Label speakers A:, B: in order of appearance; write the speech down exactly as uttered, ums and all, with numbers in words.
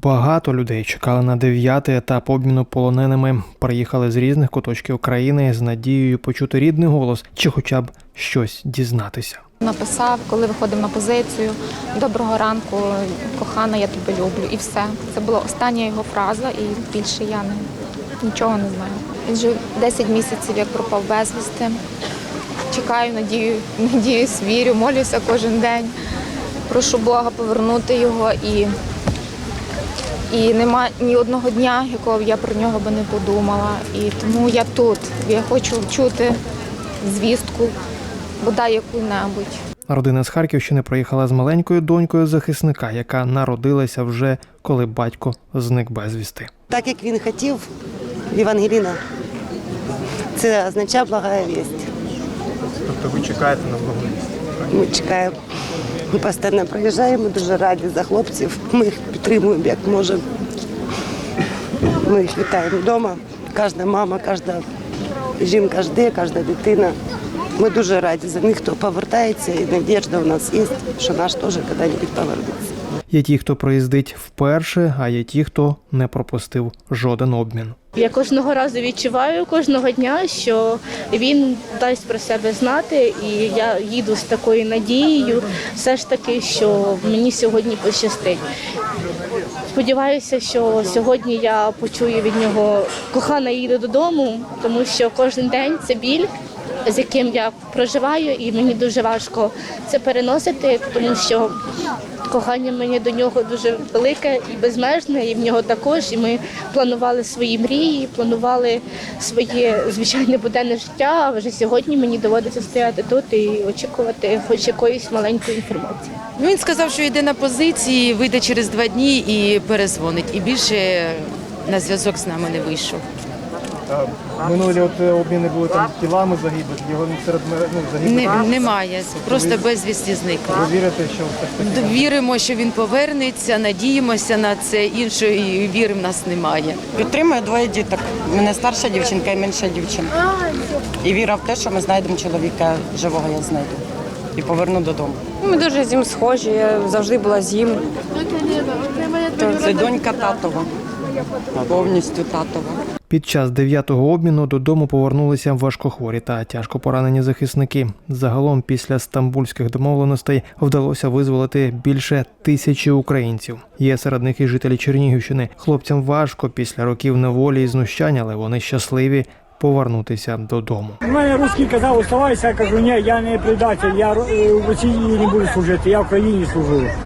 A: Багато людей чекали на дев'ятий етап обміну полоненими. Приїхали з різних куточків країни з надією почути рідний голос чи хоча б щось дізнатися.
B: Написав, коли виходив на позицію: «Доброго ранку, кохана, я тебе люблю». І все. Це була остання його фраза, і більше я не, нічого не знаю. Він вже десять місяців, як пропав безвісти. Чекаю, надію, надіюсь, вірю, молюся кожен день. Прошу Бога повернути його. І, і нема ні одного дня, якого б я про нього би не подумала. І тому я тут. Я хочу чути звістку, бодай яку-небудь.
A: Родина з Харківщини приїхала з маленькою донькою захисника, яка народилася вже, коли батько зник безвісти.
C: Так, як він хотів, Євангеліна, це означає благая вість.
A: Тобто ви чекаєте на благовість?
C: Ми чекаємо, ми постійно проїжджаємо, дуже раді за хлопців. Ми їх підтримуємо, як можемо. Ми їх вітаємо вдома. Кожна мама, кожна жінка жде, кожна дитина. Ми дуже раді за них, хто повертається, і надіжда у нас є, що наш теж коли-небудь повернеться.
A: Є ті, хто приїздить вперше, а є ті, хто не пропустив жоден обмін.
D: Я кожного разу відчуваю, кожного дня, що він дасть про себе знати, і я їду з такою надією, все ж таки, що мені сьогодні пощастить. Сподіваюся, що сьогодні я почую від нього: «Кохана, їду додому», тому що кожен день це біль, з яким я проживаю, і мені дуже важко це переносити, тому що кохання мені до нього дуже велике і безмежне, і в нього також. І ми планували свої мрії, планували своє звичайне буденне життя, а вже сьогодні мені доводиться стояти тут і очікувати хоч якоїсь маленької інформації.
E: Він сказав, що йде на позиції, вийде через два дні і перезвонить. І більше на зв'язок з нами не вийшов.
A: Минулі от обміни були там тілами загиблих, його серед ну, загиблих.
E: Не, немає, просто безвісті зник.
A: Ви вірите, що все ж таки?
E: Віримо, що він повернеться, надіємося на це, іншої віри в нас немає.
F: Підтримую двоє діток. У мене старша дівчинка і менша дівчинка. І віра в те, що ми знайдемо чоловіка живого, я знайду. І поверну додому.
G: Ми дуже з ним схожі, я завжди була з ним.
F: Це донька татова, повністю татова.
A: Під час дев'ятого обміну додому повернулися важкохворі та тяжко поранені захисники. Загалом після стамбульських домовленостей вдалося визволити більше тисячі українців. Є серед них і жителі Чернігівщини. Хлопцям важко після років неволі і знущань, але вони щасливі повернутися додому.
H: У мене русський казав: «Оставайся», я кажу: «Ні, я не предатель, я в Росії не буду служити, я в Україні служу».